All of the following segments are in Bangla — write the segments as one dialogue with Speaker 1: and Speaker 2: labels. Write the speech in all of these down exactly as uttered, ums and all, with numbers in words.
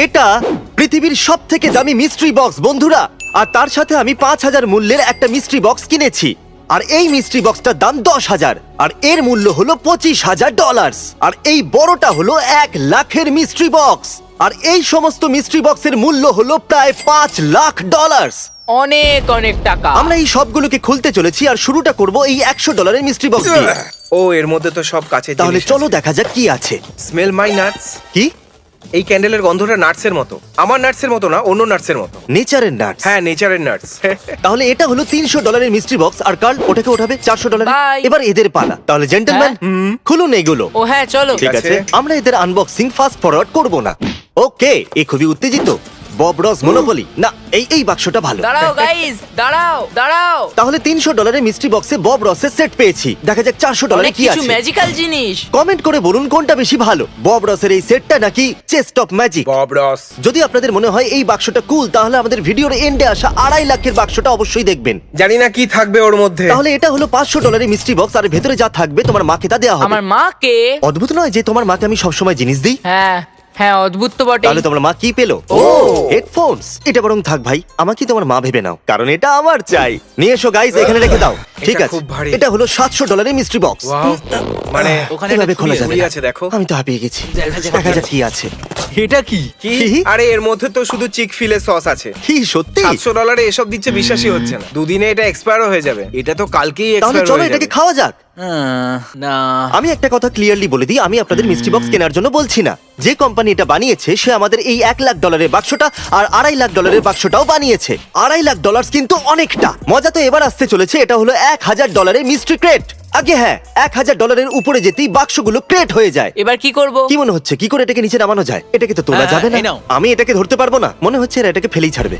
Speaker 1: এটা পৃথিবীর সব থেকে দামি মিস্ট্রি বক্স বন্ধুরা, আর তার সাথে আমি পাঁচ হাজার মূল্যের একটা মিস্ট্রি বক্স কিনেছি। আর এই মিস্ট্রি বক্সটার দাম দশ হাজার, আর এর মূল্য হলো পঁচিশ হাজার ডলার। আর এই বড়টা হলো এক লাখের মিস্ট্রি বক্স, আর এই সমস্ত মিস্ট্রি বক্সের মূল্য হলো প্রায় পাঁচ লাখ ডলার।
Speaker 2: অনেক অনেক টাকা।
Speaker 1: আমরা এই সবগুলোকে খুলতে চলেছি, আর শুরুটা করব এই একশো ডলারের মিস্ট্রি বক্স দিয়ে।
Speaker 3: ও এর মধ্যে তো সব কাছে
Speaker 1: তাহলে চলো দেখা যাক কি আছে।
Speaker 3: Smell my nuts.
Speaker 1: কি?
Speaker 3: এই ক্যান্ডেলের গন্ধটা নাটসের মতো। আমার নাটসের মতো না, অন্য নাটসের মতো।
Speaker 1: নেচারের নাটস।
Speaker 3: হ্যাঁ, নেচারের নাটস।
Speaker 1: তাহলে এটা হলো তিনশো ডলারের মিস্ট্রি বক্স, আর কার্ল ওটাকে ওঠাবে চারশো ডলার।
Speaker 2: Bye.
Speaker 1: এবার এদের পালা। তাহলে জেন্টলম্যান খুলুন এগুলো।
Speaker 2: ও হ্যাঁ চলো।
Speaker 1: ঠিক আছে, আমরা এদের আনবক্সিং ফাস্ট ফরওয়ার্ড করব না। ওকে, এ খুবই উত্তেজিত। বব রস মনোপলি না, এই এই বাক্সটা ভালো।
Speaker 2: দাঁড়াও গাইস, দাঁড়াও দাঁড়াও।
Speaker 1: তাহলে তিনশো ডলারের মিস্ট্রি বক্সে বব রসের সেট পেয়েছি। দেখা যাক চারশো ডলারে
Speaker 2: অনেক
Speaker 1: কি
Speaker 2: কিছু
Speaker 1: আছে।
Speaker 2: ম্যাজিক্যাল জিনিস।
Speaker 1: কমেন্ট করে বলুন কোনটা বেশি ভালো, বব রসের এই সেটটা নাকি chest of magic.
Speaker 3: Bob Ross.
Speaker 1: যদি আপনাদের মনে হয় এই বাক্সটা কুল, তাহলে আমাদের ভিডিওর এন্ডে আসা আড়াই লাখের বাক্সটা অবশ্যই দেখবেন।
Speaker 3: জানি না কি থাকবে ওর মধ্যে।
Speaker 1: তাহলে এটা হলো পাঁচশো ডলারের মিস্ট্রি বক্স, আর ভেতরে যা থাকবে তোমার মাকে তা দেওয়া হবে।
Speaker 2: আমার মাকে?
Speaker 1: অদ্ভুত নয় যে তোমার মাকে আমি সবসময় জিনিস দিই?
Speaker 2: হ্যাঁ হ্যাঁ, অদ্ভুত তো বটে।
Speaker 1: তাহলে তোমার মা কি পেলো? ও হেডফোনস। এটা বরং থাক ভাই, আমাকে তোমার মা ভেবে নাও, কারণ এটা আমার চাই। নিয়ে এসো গাইস, এখানে রেখে দাও। ঠিক
Speaker 3: এটা
Speaker 1: আছে,
Speaker 3: খুব ভারী।
Speaker 1: এটা হলো সাতশো ডলারের মিস্ট্রি বক্স।
Speaker 3: ওয়াও, মানে
Speaker 4: ওখানে
Speaker 1: এভাবে
Speaker 4: একটা
Speaker 1: খোলা
Speaker 4: ঝুড়ি
Speaker 1: যাবে
Speaker 3: ঝুড়ি
Speaker 1: না।
Speaker 3: আছে, দেখো।
Speaker 1: আমি তো হাঁপিয়ে গেছি। দেখা যাক কি আছে।
Speaker 4: এটা কি?
Speaker 3: কি?
Speaker 1: কি?
Speaker 3: আরে এর মধ্যে তো শুধু চিক ফিলের সস আছে।
Speaker 1: কি সত্যি?
Speaker 3: সাতশো ডলারে এসব দিচ্ছে, বিশ্বাসই হচ্ছে না। দুদিনে এটা এক্সপায়ারও হয়ে যাবে। এটা তো কালকেই
Speaker 1: তাহলে
Speaker 3: এক্সপায়ার
Speaker 1: চলো
Speaker 3: হয়ে
Speaker 1: এটাকে
Speaker 3: যাবে।
Speaker 1: খাওয়া যাক।
Speaker 4: আহ, না
Speaker 1: আমি একটা কথা ক্লিয়ারলি বলে দিই, আমি আপনাদের মিস্ট্রি বক্স কেনার জন্য বলছি না। যে কোম্পানি এটা বানিয়েছে সে আমাদের এই এক লাখ ডলারের বাক্সটা আর আড়াই লাখ ডলারের বাক্সটাও বানিয়েছে। আড়াই লাখ ডলার কিন্তু অনেকটা। মজা তো এবার আসতে চলেছে। এটা হলো এক হাজার ডলারের মিস্ট্রি ক্রেট। আগে হ্যাঁ, এক হাজার ডলারের উপরে যেতেই বাক্সগুলো ক্রেট হয়ে যায়।
Speaker 2: এবার কি করব?
Speaker 1: কি মনে হচ্ছে কি করে এটাকে নিচে নামানো যায়? এটাকে তো তোলা
Speaker 4: হ্যাঁ,
Speaker 1: যাবে না।
Speaker 4: এই নাও।
Speaker 1: আমি এটাকে ধরতে পারবো না, মনে হচ্ছে এরা এটাকে ফেলেই ছাড়বে।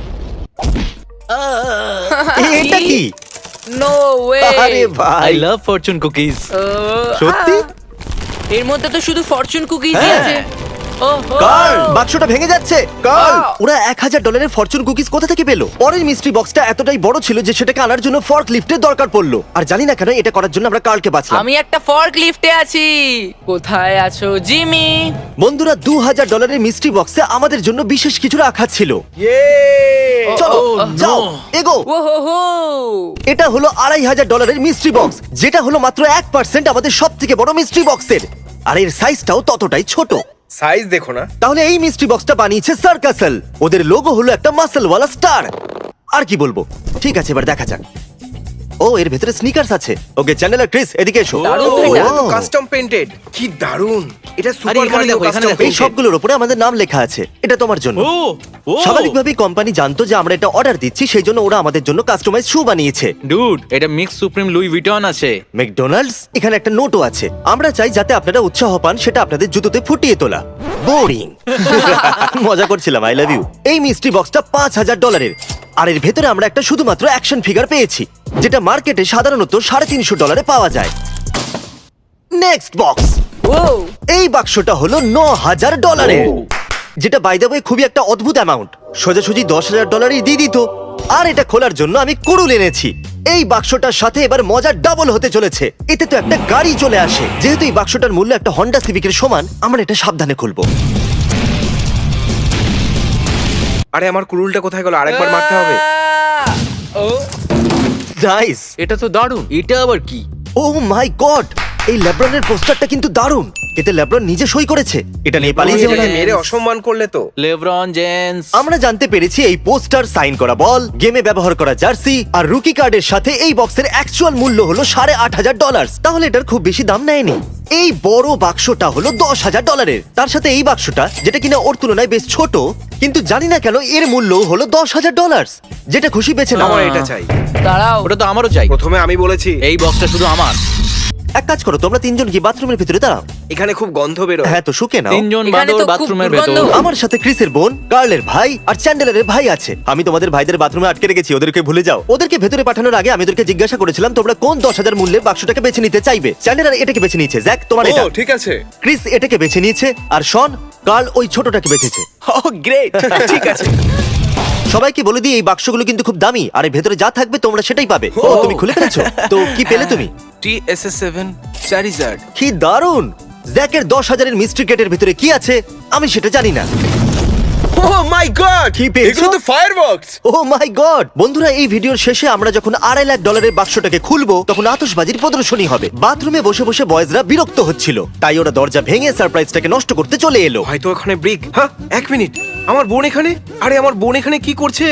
Speaker 1: এ- এটা কি?
Speaker 2: No way.
Speaker 1: আরে ভাই,
Speaker 4: আই লাভ ফরচুন কুকিজ।
Speaker 1: সত্যি?
Speaker 2: এর মধ্যে তো শুধু ফরচুন কুকিজই
Speaker 4: হ্যাঁ।
Speaker 2: আছে। ওহো।
Speaker 1: কার্ল, বাক্সটা ভেঙে যাচ্ছে। Carl,
Speaker 2: Wow!
Speaker 1: ওরা এক হাজার ডলারের ফরচুন কুকিজ কোথা থেকে পেলো? পরের মিস্ট্রি বক্সটা এতটাই বড় ছিল যে সেটাকে আনার জন্য ফর্ক লিফটের দরকার পড়লো। আর জানি না কেন এটা করার জন্য আমরা কার্লকে বাঁচলাম।
Speaker 2: আমি একটা ফর্ক লিফটে আছি। কোথায় আছো জিমি?
Speaker 1: বন্ধুরা, দু হাজার ডলারের মিস্ট্রি বক্সে আমাদের জন্য বিশেষ কিছু রাখা ছিল।
Speaker 3: ইয়ে!
Speaker 1: চলো
Speaker 4: Oh,
Speaker 1: যাও,
Speaker 4: no!
Speaker 1: এগো।
Speaker 2: ওহো।
Speaker 1: এটা হলো আড়াই হাজার ডলারের মিস্ট্রি বক্স, যেটা হলো মাত্র এক পার্সেন্ট আমাদের সব থেকে বড় মিস্ট্রি বক্সের। আর এর সাইজটাও ততটাই ছোট।
Speaker 3: সাইজ দেখো না।
Speaker 1: তাহলে এই মিস্ট্রি বক্সটা বানিয়েছে সার্কাসেল। ওদের লোগো হলো একটা মাসেলওয়ালা স্টার। আর কি বলবো? ঠিক আছে, এবার দেখা যাক। ও, এর ভেতরে স্নিকার্স আছে। ওকে চ্যানেলার ক্রিস, এদিকে এসো।
Speaker 2: দারুণ তো
Speaker 1: ও,
Speaker 2: এটা।
Speaker 3: Custom painted. কি দারুন! এটা সুপার
Speaker 4: এখানে
Speaker 3: মারিও
Speaker 4: দেখো, এখানে
Speaker 3: কাস্টম
Speaker 4: দেখো।
Speaker 1: এই সবগুলোর উপরে আমাদের নাম লেখা আছে। এটা তোমার জন্য।
Speaker 4: ও ও
Speaker 1: স্বাভাবিকভাবেই কোম্পানি জানতো যে আমরা এটা অর্ডার দিচ্ছি, সেই জন্য ওরা আমাদের জন্য কাস্টমাইজ শু বানিয়েছে।
Speaker 4: ডুড, এটা মিক্স সুপ্রিম লুই ভিটন আছে।
Speaker 1: ম্যাকডোনাল্ডস, এখানে একটা নোটও আছে। আমরা চাই যাতে আপনারা উৎসাহ পান, সেটা আপনাদের জুতোতে ফুটিয়ে তোলা। বোরিং। মজা করছিলাম, আই লাভ ইউ। এই মিস্ট্রি বক্সটা পাঁচ হাজার ডলারের, আর এর ভেতরে আমরা একটা শুধুমাত্র অ্যাকশন ফিগার পেয়েছি, যেটা মার্কেটে সাধারণত সাড়ে তিনশো ডলারে পাওয়া যায়। Next box.
Speaker 2: ও
Speaker 1: এই বাক্সটা হলো ন হাজার ডলারের,
Speaker 4: ও।
Speaker 1: যেটা বাই দ্য ওয়ে খুবই একটা অদ্ভুত অ্যামাউন্ট। সোজাসুজি দশ হাজার ডলারই দিয়ে দিত। আর এটা খোলার জন্য আমি কুড়ুল এনেছি। এই বাক্সটার সাথে এবার মজা ডাবল হতে চলেছে। এতে তো একটা গাড়ি চলে আসে। যেহেতু এই বাক্সটার মূল্য একটা হন্ডা সিভিকের সমান, আমরা এটা সাবধানে খুলবো।
Speaker 3: আরে আমার কুরুলটা কোথায় গেল? আরেকবার মারতে হবে।
Speaker 2: ও
Speaker 1: নাইস।
Speaker 4: এটা তো দারুণ। এটা আবার কি?
Speaker 1: ও মাই গড, এই লেব্রনের পোস্টারটা কিন্তু দারুণ। এতে লেব্রন নিজে সই করেছে। এটা নিয়ে পালিয়ে যাবে
Speaker 3: এটাকে
Speaker 1: না।
Speaker 3: মেরে অসম্মান করলে তো।
Speaker 4: LeBron James.
Speaker 1: আমরা জানতে পেরেছি এই পোস্টার, সাইন করা বল, গেমে ব্যবহার করা জার্সি আর রুকি কার্ডের সাথে এই বক্সের অ্যাকচুয়াল মূল্য হলো সাড়ে আট হাজার ডলার। তাহলে এটার খুব বেশি দাম নেয়নি। এই বড় বাক্সটা হলো দশ হাজার ডলারের। তার সাথে এই বাক্সটা, যেটা কিনা ওর তুলনায় বেশ ছোট, কিন্তু জানি না কেন এর মূল্য হলো দশ হাজার ডলার। যেটা খুশি বেছে নাও।
Speaker 3: আমার এটা চাই।
Speaker 2: দাঁড়াও।
Speaker 4: ওটা তো আমারও চাই।
Speaker 3: প্রথমে আমি বলেছি
Speaker 4: এই বক্সটা শুধু আমার।
Speaker 1: এক কাজ করো, তোমরা তিনজন কি বাথরুমের ভিতরে দাঁড়াও।
Speaker 3: এখানে খুব গন্ধ বেরোয়।
Speaker 1: হ্যাঁ, তো শুকে নাও।
Speaker 4: তিনজন
Speaker 2: এখানে তো
Speaker 4: বাদর
Speaker 2: খুব
Speaker 4: বাথরুমের
Speaker 2: দুর্গন্ধ।
Speaker 4: ভেতর।
Speaker 1: আমার সাথে ক্রিসের বোন, কার্লের ভাই আর চ্যান্ডেলারের ভাই আছে। আমি তোমাদের ভাইদের বাথরুমে আটকে রেখেছি, ওদেরকে ভুলে যাও। ওদেরকে ভেতরে পাঠানোর আগে আমি ওদেরকে জিজ্ঞাসা করেছিলাম তোমরা কোন দশ হাজার মূল্যের বাক্সটাকে বেছে নিতে চাইবে। চ্যান্ডেলার এটাকে বেছে নিয়েছে, জ্যাক তোমার এটা,
Speaker 5: ঠিক আছে।
Speaker 1: ক্রিস এটাকে বেছে নিয়েছে, আর শন, কার্ল ওই ছোটটাকে বেছেছে।
Speaker 3: ও গ্রেট, ঠিক আছে।
Speaker 1: সবাইকে বলে দিই এই বাক্সগুলো কিন্তু খুব দামি, আর এর ভেতরে যা থাকবে তোমরা সেটাই পাবে। ও, তুমি খুলে ফেলেছো? তো কি পেলে তুমি?
Speaker 5: T S S seven Charizard.
Speaker 1: কি দারুণ! জ্যাকের দশ হাজারের মিস্ট্রি ক্রেটের ভিতরে কি আছে আমি সেটা জানি না।
Speaker 2: ও
Speaker 3: ও মাই গড,
Speaker 1: কি পেয়েছো?
Speaker 3: এগুলো তো ফায়ারবক্স।
Speaker 1: ও মাই গড! বন্ধুরা, এই ভিডিওর শেষে আমরা যখন আড়াই লাখ ডলারের বাক্সটাকে খুলবো তখন আতশবাজির প্রদর্শনী হবে। বাথরুমে বসে বসে বয়েজরা বিরক্ত হচ্ছিল, তাই ওরা দরজা ভেঙে সারপ্রাইজটাকে নষ্ট করতে চলে এলো।
Speaker 3: হয়তো ওখানে ব্রিক। হ্যাঁ, এক মিনিট, আমার বোন এখানে? আরে আমার বোন এখানে কি করছে?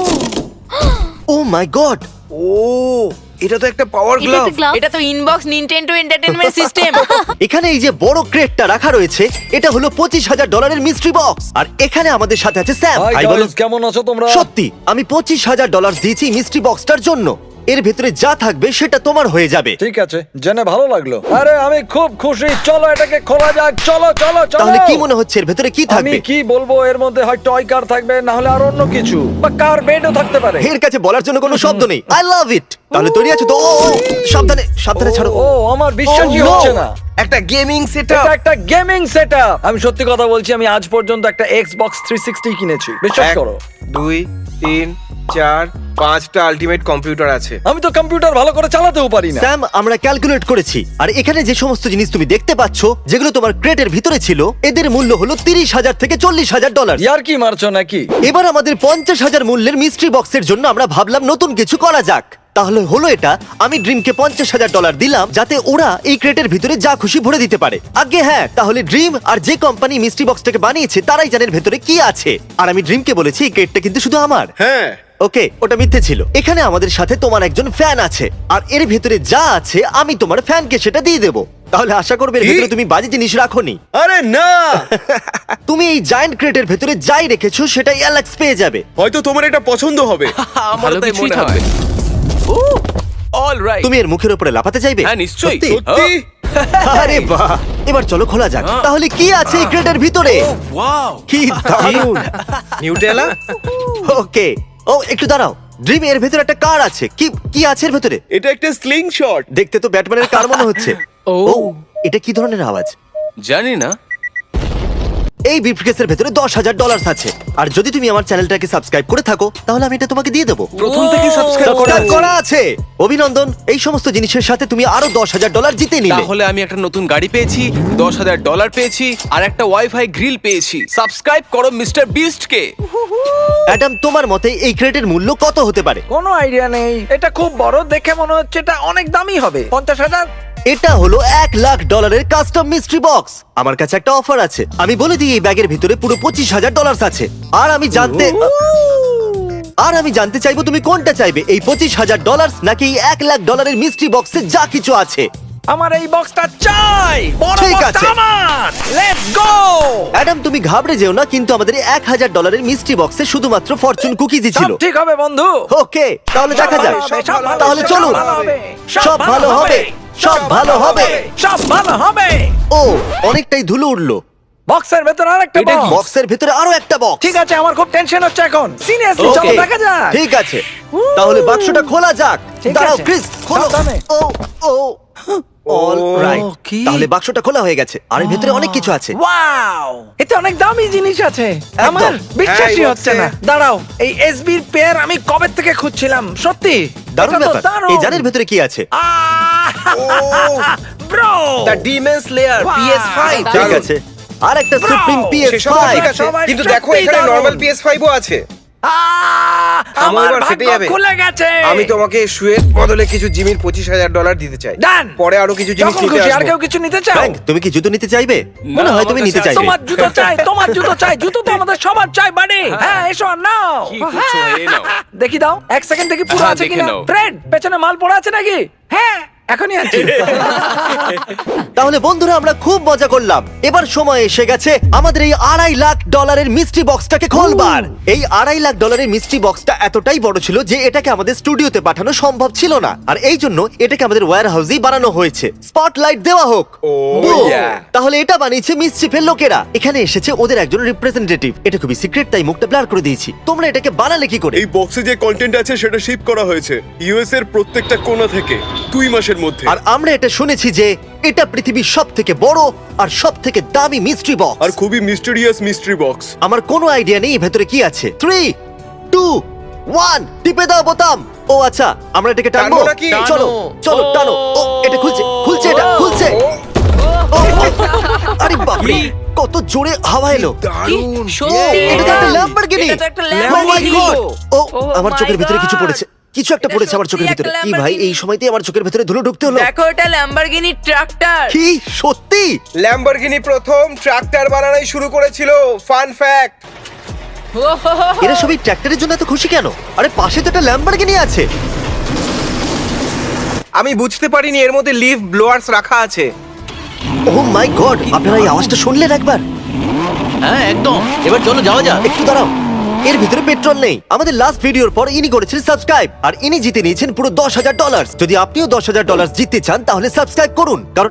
Speaker 1: ও মাই গড!
Speaker 3: ও, এটা তো একটা পাওয়ার
Speaker 6: এটা
Speaker 3: গ্লাভ।
Speaker 6: তো গ্লাভস।
Speaker 2: এটা তো ইনবক্স নিনটেন্ডো এন্টারটেইনমেন্ট সিস্টেম।
Speaker 1: এখানে এই যে বড় ক্রেটটা রাখা রয়েছে, এটা হলো পঁচিশ হাজার ডলারের মিস্ট্রি বক্স। আর এখানে আমাদের সাথে আছে স্যাম।
Speaker 7: হাই
Speaker 1: হাই বলো।
Speaker 7: গাইস, কেমন আছো তোমরা?
Speaker 1: সত্যি আমি পঁচিশ হাজার ডলার দিয়েছি মিস্ট্রি বক্সটার জন্য। এর ভেতরে যা থাকবে সেটা তোমার হয়ে যাবে।
Speaker 7: ঠিক আছে, জেনে ভালো লাগলো। আরে আমি খুব খুশি, চলো এটাকে খোলা যাক। চলো চলো চলো।
Speaker 1: তাহলে কি মনে হচ্ছে এর ভেতরে কি
Speaker 7: আমি
Speaker 1: থাকবে?
Speaker 7: কি বলবো, এর মধ্যে হয় টয় কার থাকবে, না হলে আর অন্য কিছু, বা কার বেডও থাকতে পারে।
Speaker 1: এর কাছে বলার জন্য কোনো শব্দ নেই। I love it. তাহলে তৈরি আছো তো? ও, ও, সাবধানে সাবধানে ছাড়ো।
Speaker 7: ও আমার বিশ্বাসই
Speaker 1: Oh, no!
Speaker 7: হচ্ছে না।
Speaker 3: একটা গেমিং
Speaker 7: এটা
Speaker 3: সেটআপ।
Speaker 7: একটা গেমিং সেটআপ। আমি সত্যি কথা বলছি, আমি আজ পর্যন্ত একটা এক্সবক্স থ্রি সিক্সটি কিনেছি, বিশ্বাস
Speaker 3: এক,
Speaker 7: করো।
Speaker 3: দুই, তিন, চার, পাঁচটা আলটিমেট কম্পিউটার আছে।
Speaker 7: আমি তো কম্পিউটার ভালো করে চালাতেও পারি না।
Speaker 1: স্যাম, আমরা ক্যালকুলেট করেছি, আর এখানে যে সমস্ত জিনিস তুমি দেখতে পাচ্ছ যেগুলো তোমার ক্রেটের ভিতরে ছিল, এদের মূল্য হলো তিরিশ হাজার থেকে চল্লিশ হাজার ডলার।
Speaker 7: ইয়ার কি মারছো নাকি?
Speaker 1: এবার আমাদের পঞ্চাশ হাজার মূল্যের মিস্ট্রি বক্সের জন্য আমরা ভাবলাম নতুন কিছু করা যাক। তাহলে হলো এটা, আমি ড্রিমকে পঞ্চাশ হাজার ডলার দিলাম যাতে ওরা এই ক্রেটের ভিতরে যা খুশি ভরে দিতে পারে। আগে হ্যাঁ, তাহলে ড্রিম আর যে কোম্পানি মিস্ট্রি বক্সটাকে বানিয়েছে তারাই জানেন ভেতরে কি আছে। আর আমি ড্রিমকে বলেছি এই ক্রেটটা কিন্তু শুধু আমার।
Speaker 3: হ্যাঁ,
Speaker 1: ওকে, ওটা মিথ্যে ছিল। এখানে আমাদের সাথে তোমার একজন ফ্যান আছে, আর এর ভেতরে যা আছে আমি তোমার ফ্যানকে সেটা দিয়ে দেবো। তাহলে আশা করবে এর
Speaker 3: কি?
Speaker 1: ভেতরে তুমি বাজে জিনিস রাখোনি।
Speaker 3: আরে না,
Speaker 1: তুমি এই জায়ান্ট ক্রেটের ভেতরে যাই রেখেছো সেটাই অ্যালেক্স পেয়ে যাবে।
Speaker 3: হয়তো তোমার এটা পছন্দ হবে।
Speaker 5: আমার তাই
Speaker 2: কিছুই
Speaker 5: মনে
Speaker 2: থাকবে।
Speaker 5: হয়। Oh, all right.
Speaker 1: তুমি এর মুখের উপরে লাফাতে চাইবে?
Speaker 5: হ্যাঁ, নিশ্চয়ই।
Speaker 1: সত্যি?
Speaker 3: সত্যি?
Speaker 1: আরে বাহ! এবার চলো খোলা যাক। তাহলে কি আছে এই ক্রেটের ভিতরে?
Speaker 5: ওয়াও।
Speaker 1: কি দারুণ!
Speaker 3: নিউটেলা?
Speaker 1: ওকে, ও একটু দাঁড়াও। ড্রিম, এর ভেতরে একটা কার আছে। কি কি আছে এর ভেতরে?
Speaker 3: এটা একটা স্লিং শট।
Speaker 1: দেখতে তো ব্যাটম্যানের কার মনে হচ্ছে।
Speaker 2: ও।
Speaker 1: ও, এটা কি ধরনের আওয়াজ?
Speaker 5: জানি না।
Speaker 1: এই ব্রিফকেসের ভেতরে দশ হাজার ডলার আছে, আর যদি তুমি আমার চ্যানেলটাকে সাবস্ক্রাইব করে থাকো তাহলে আমি এটা তোমাকে দিয়ে দেবো।
Speaker 3: প্রথম থেকে সাবস্ক্রাইব করা
Speaker 1: সাবস্ক্রাইব
Speaker 3: আছে।
Speaker 1: করা আছে। অভিনন্দন, এই সমস্ত জিনিসের সাথে তুমি আরো দশ হাজার ডলার জিতে নিলে।
Speaker 5: তাহলে আমি একটা নতুন গাড়ি পেয়েছি, দশ হাজার ডলার পেয়েছি, আর একটা ওয়াইফাই গ্রিল পেয়েছি। সাবস্ক্রাইব করো মিস্টার বিস্ট কে।
Speaker 1: অ্যাডাম, তোমার মতে এই ক্রেটের মূল্য কত হতে পারে?
Speaker 7: কোনো আইডিয়া নেই। এটা খুব বড়, দেখে মনে হচ্ছে এটা অনেক দামি হবে। পঞ্চাশ হাজার?
Speaker 1: এটা হলো এক লাখ ডলারের কাস্টম মিস্ট্রি বক্স। আমার কাছে একটা অফার আছে, আমি বলে দিই এই ব্যাগের ভিতরে পুরো পঁচিশ হাজার ডলার আছে। আর আমি জানতে আর আমি জানতে চাইবো তুমি কোনটা চাইবে, এই পঁচিশ হাজার ডলার নাকি এই এক লাখ ডলারের মিস্ট্রি বক্সে যা কিছু আছে।
Speaker 7: আমার এই বক্সটা চাই, বড়
Speaker 1: ঠিক
Speaker 7: বক্সটা
Speaker 1: আছে।
Speaker 7: আমার। Let's go.
Speaker 1: অ্যাডাম, তুমি ঘাবড়ে যেও না, কিন্তু আমাদের এক হাজার ডলারের মিস্ট্রি বক্সে শুধুমাত্র ফরচুন কুকিজই ছিল।
Speaker 7: সব ঠিক হবে বন্ধু।
Speaker 1: ওকে, তাহলে দেখা যাক।
Speaker 7: সব ভালো হবে,
Speaker 1: তাহলে
Speaker 7: সব
Speaker 1: চলুন।
Speaker 7: ভালো হবে,
Speaker 1: সব ভালো হবে, সব ভালো হবে।
Speaker 7: সব ভালো হবে।
Speaker 1: ও, অনেকটাই ধুলো উঠলো।
Speaker 7: বক্সের ভেতর আরেকটা
Speaker 5: এটা কি?
Speaker 7: বক্স।
Speaker 1: বক্সের ভিতরে আরো একটা বক্স।
Speaker 7: ঠিক আছে, আমার খুব টেনশন হচ্ছে এখন। সিরিয়াসলি, চলো
Speaker 1: Okay,
Speaker 7: দেখা যাক।
Speaker 1: ঠিক আছে, তাহলে বাক্সটা খোলা যাক।
Speaker 7: ঠিক
Speaker 1: দাঁড়াও
Speaker 7: আছে,
Speaker 1: ক্রিস, খোলো।
Speaker 7: সাবধানে।
Speaker 1: Oh oh all right.
Speaker 5: কি?
Speaker 1: তাহলে বাক্সটা খোলা হয়ে গেছে, আর এর ভিতরে অনেক কিছু আছে।
Speaker 7: ওয়াও, এতে অনেক দামি জিনিস আছে। আমার বিশ্বাসই
Speaker 3: হ্যাঁ, এই
Speaker 7: হচ্ছে
Speaker 3: box-এ।
Speaker 7: না। দাঁড়াও, এই এসবির পেয়ার আমি কবে থেকে খুঁজছিলাম। সত্যি
Speaker 1: দারুণ
Speaker 7: এটা তো
Speaker 1: ব্যাপার।
Speaker 7: দারুণ।
Speaker 1: এই জানের ভিতরে কি আছে?
Speaker 7: Bro,
Speaker 3: the demon's lair
Speaker 7: Wow!
Speaker 3: P S five.
Speaker 1: ঠিক আছে, আর একটা
Speaker 7: Bro!
Speaker 1: সুপ্রিম পি এস
Speaker 3: সেসব
Speaker 1: ফাইভ।
Speaker 3: ঠিক আছে,
Speaker 7: সবাই
Speaker 3: কিন্তু
Speaker 7: সত্যি
Speaker 3: দেখো এখানে
Speaker 7: দারুণ।
Speaker 3: নরমাল পি এস ফাইভ ও আছে।
Speaker 7: আমার
Speaker 3: এবার
Speaker 7: ভাগ্য
Speaker 3: ফেটে যাবে।
Speaker 7: খুলে গেছে।
Speaker 3: আমি তোমাকে শুয়ের বদলে কিছু জিমির পঁচিশ হাজার ডলার দিতে চাই।
Speaker 7: ডান।
Speaker 3: পরে আরো কিছু জিনিস
Speaker 7: যখন
Speaker 3: নিতে
Speaker 7: খুশি। আর
Speaker 3: আসবো।
Speaker 7: কেউ কিছু নিতে চাও?
Speaker 1: ফ্র্যাঙ্ক, তুমি কি জুতো নিতে চাইবে? মনে হয়
Speaker 5: আমার
Speaker 1: তুমি
Speaker 5: কাছে
Speaker 1: নিতে
Speaker 5: আছে।
Speaker 1: চাইবে।
Speaker 7: তোমার জুতো চাই, তোমার জুতো চাই। জুতো তো আমাদের সবার চাই, বাড়ি। হ্যাঁ, এসো আর নাও।
Speaker 5: কি করছো? এই নাও।
Speaker 7: দেখি দাও, এক সেকেন্ড দেখি পুরো
Speaker 5: হ্যাঁ,
Speaker 7: আছে
Speaker 5: দেখে
Speaker 7: কিনা।
Speaker 5: নাও।
Speaker 7: ফ্রেড, পেছনে মাল পড়া আছে নাকি? হ্যাঁ, এখনই আছে।
Speaker 1: তাহলে বন্ধুরা, আমরা খুব মজা করলাম। এবার সময় এসে গেছে আমাদের এই আড়াই লাখ ডলারের মিস্ট্রি বক্সটাকে খোলবার। এই আড়াই লাখ ডলারের মিস্ট্রি বক্সটা এতটাই বড় ছিল যে এটাকে আমাদের স্টুডিওতে পাঠানো সম্ভব ছিল না, আর এই জন্য এটাকে আমাদের ওয়্যার হাউসেই বানানো হয়েছে। স্পটলাইট দেওয়া হোক। Boom!
Speaker 3: yeah!
Speaker 1: তাহলে এটা বানিয়েছে মিসচিফের লোকেরা। এখানে এসেছে ওদের একজন রিপ্রেজেন্টেটিভ। এটা খুবই সিক্রেট, তাই মুখটা ব্লার করে দিয়েছি। তোমরা এটাকে বানালে কি করে?
Speaker 8: এই বক্সে যে কন্টেন্ট আছে সেটা শিপ করা হয়েছে ইউএস এর প্রত্যেকটা কোণা থেকে দুই মাসের মধ্যে।
Speaker 1: আর আমরা এটা শুনেছি যে এটা পৃথিবীর সব থেকে বড় আর সব থেকে দামি মিস্ট্রি বক্স।
Speaker 8: আর খুবই মিস্টেরিয়াস মিস্ট্রি বক্স।
Speaker 1: আমার কোনো আইডিয়া নেই ভেতরে কি আছে। থ্রি টু ওয়ান, টিপে দাও বোতাম। ও আচ্ছা, আমরা এটাকে টানবো
Speaker 3: টানবো নাকি?
Speaker 1: চলো চলো টানো। ও, এটা খুলছে খুলছে এটা খুলছে। ও, ও, আরে বাপরে, কত জোরে হাওয়া এলো।
Speaker 3: দারুণ
Speaker 2: সত্যি
Speaker 1: এটা তো একটা
Speaker 2: তাই?
Speaker 1: ল্যাম্বরগিনি।
Speaker 2: এটা তো একটা
Speaker 1: Oh my
Speaker 2: ল্যাম্বরগিনি।
Speaker 1: God! ও
Speaker 2: Oh
Speaker 1: আমার
Speaker 2: my
Speaker 1: চোখের ভিতরে কিছু
Speaker 2: God!
Speaker 1: পড়েছে, কিছু একটা
Speaker 2: এটা
Speaker 1: পড়েছে আমার চোখের
Speaker 2: সত্যি
Speaker 1: ভিতরে।
Speaker 2: একটা
Speaker 1: কি ভাই,
Speaker 2: ল্যাম্বরগিনি।
Speaker 1: এই সময়তেই আমার চোখের ভিতরে ধুলো ঢুকতে হলো।
Speaker 2: দেখো এটা ল্যাম্বরগিনি ট্রাক্টর।
Speaker 1: কি সত্যি?
Speaker 3: ল্যাম্বরগিনি প্রথম ট্রাক্টর বানানোই শুরু করেছিল। Fun fact.
Speaker 1: এরা সবই ট্র্যাক্টরের জন্য এত খুশি কেন? আরে পাশে তো একটা ল্যাম্বরগিনি আছে।
Speaker 3: আমি বুঝতে পারিনি এর মধ্যে লিফ ব্লোয়ার্স রাখা আছে।
Speaker 1: ও মাই গড, আপনারা এই আওয়াজটা শুনলেন একবার?
Speaker 4: হ্যাঁ একদম, এবার চলো যাওয়া যাক।
Speaker 1: একটু দাঁড়াও, এর ভিতরে পেট্রোল নেই। আমাদের লাস্ট ভিডিওর পর ইনি করেছেন সাবস্ক্রাইব, আর ইনি জিতে নিয়েছেন পুরো দশ হাজার ডলার। যদি আপনিও দশ হাজার ডলার জিততে চান তাহলে সাবস্ক্রাইব করুন, কারণ